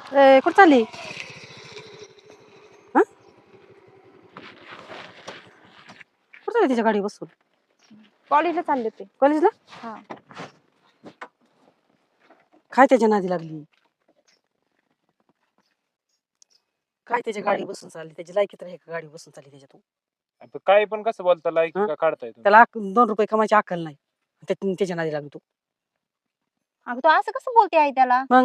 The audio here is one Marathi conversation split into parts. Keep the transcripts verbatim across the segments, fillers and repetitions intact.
ए कुठं चालली? हा कुठं चालली तिच्या गाडी बसून? कॉलेजला चालले ते. कॉलेजला? हा. काय त्याच्या नादी लागली? काय त्याच्या गाडी बसून चालली? त्याची लायकीत राही का गाडी बसून चालली त्याच्यातून? आता काय पण कसं बोलता लाईक हं? का काढताय तुम्ही? त्याला अक- दोन रुपये कमायची अक्कल नाही. त्या- त्याच्या नादी लागली तू. अगं तू असं कसं बोलते आई त्याला? मग?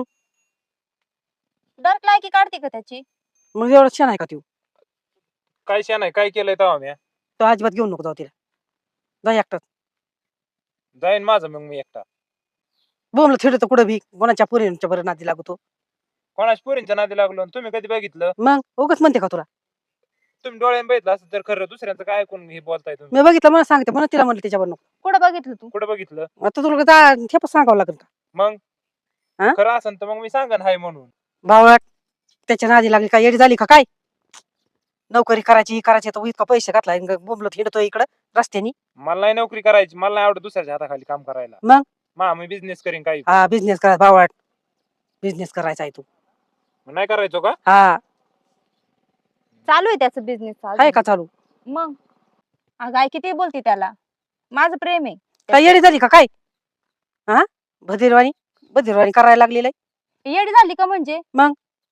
दर लायकी काढते का त्याची? मग एवढा छान आहे का तू? काय शा नाही काय केलंय तेव्हा मी तो अजिबात घेऊन नको जाऊ तिला. जा एकटाच. जाईन माझं मग मी एकटा. बोमला थिडतो कुठं बी कोणाच्या पोरींच्या बरं नादी लागतो. कोणाच पोरींच्या नादी लागलो आणि तुम्ही कधी बघितलं? मग उगाच म्हणते का तुला? तुम्ही डोळ्याने बघितलं असं तर खरं दुसऱ्यांचं काय ऐकून हे बोलताय तुम्ही? मी बघितलं मला सांगते म्हणून तिला म्हणलं त्याच्यावर नको. कुठं बघितलं तू? कुठं बघितलं? आता तुला जा ठेप सांगावं लागेल का? मग हा? खरं असेल तर मग मी सांगन हाय म्हणून. भावळाट त्याच्या नादी लागली काय येडी झाली का काय? नोकरी करायची करायची तर इतका पैसे घातलाय बोंबलत हिंडतोय इकडं रस्त्यानी. मला नाही नोकरी करायची, मला नाही आवडत दुसऱ्याच्या हाताखाली काम करायला. मग? मा मी बिझनेस करीन काही. हा बिझनेस करायचा भावळाट. बिझनेस करायचा आहे तू. मग नाही करायचो का? हा चालू आहे त्याचं बिझनेस. आहे का चालू? मग अगं आई किती बोलते त्याला. माझं प्रेम आहे. काय येडी झाली का काय? हा भदीरवाणी बधीरवाणी करायला लागलेलं आहे. येडी झाली का म्हणजे? मग?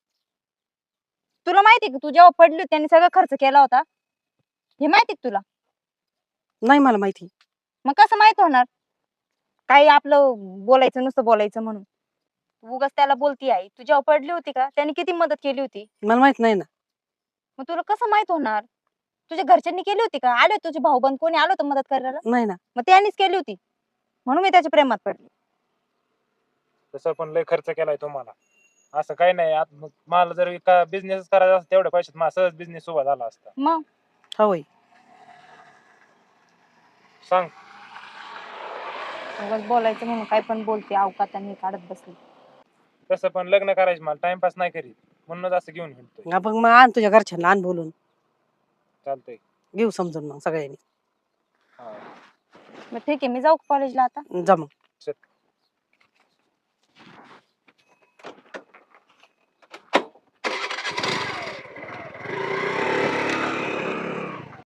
तुला माहिती का तू जेव्हा पडली होती त्यांनी सगळा खर्च केला होता हे माहिती का तुला? नाही मला माहिती. मग कसं माहित होणार? काही आपलं बोलायचं नुसतं बोलायचं म्हणून उगाच त्याला बोलती आई. तू जेव्हा पडली होती का त्यांनी किती मदत केली होती? मला माहित नाही ना. मग तुला कसं माहित होणार? तुझ्या घरच्यांनी केली होती का? आले होते तुझे भाऊ बंद कोणी आलं होतं मदत करायला? नाही ना. मग त्यांनीच केली होती म्हणून मी त्याच्या प्रेमात पडली. तसं पण लय खर्च केलाय तुम्हाला. असं काही नाही. आत- मग मला जर का बिझनेस करायचा असता तेवढ्या पैशात माझा सहज बिझनेस उभा झाला असता. मग हा होय. सांग. उगाच बोलायचं म्हणून काय पण बोलते अवकाताने काढत बसली. तसं पण लग्न करायचं मला टाइमपास नाही करीत म्हणूनच असं घेऊन हिंडतोय. हा, मग मग आण तुझ्या घरच्यांना आण बोलून. चालतंय. घेऊ समजून मग सगळ्यांनी. हा. मग ठीक आहे मी जाऊ कॉलेजला आता. जा मग.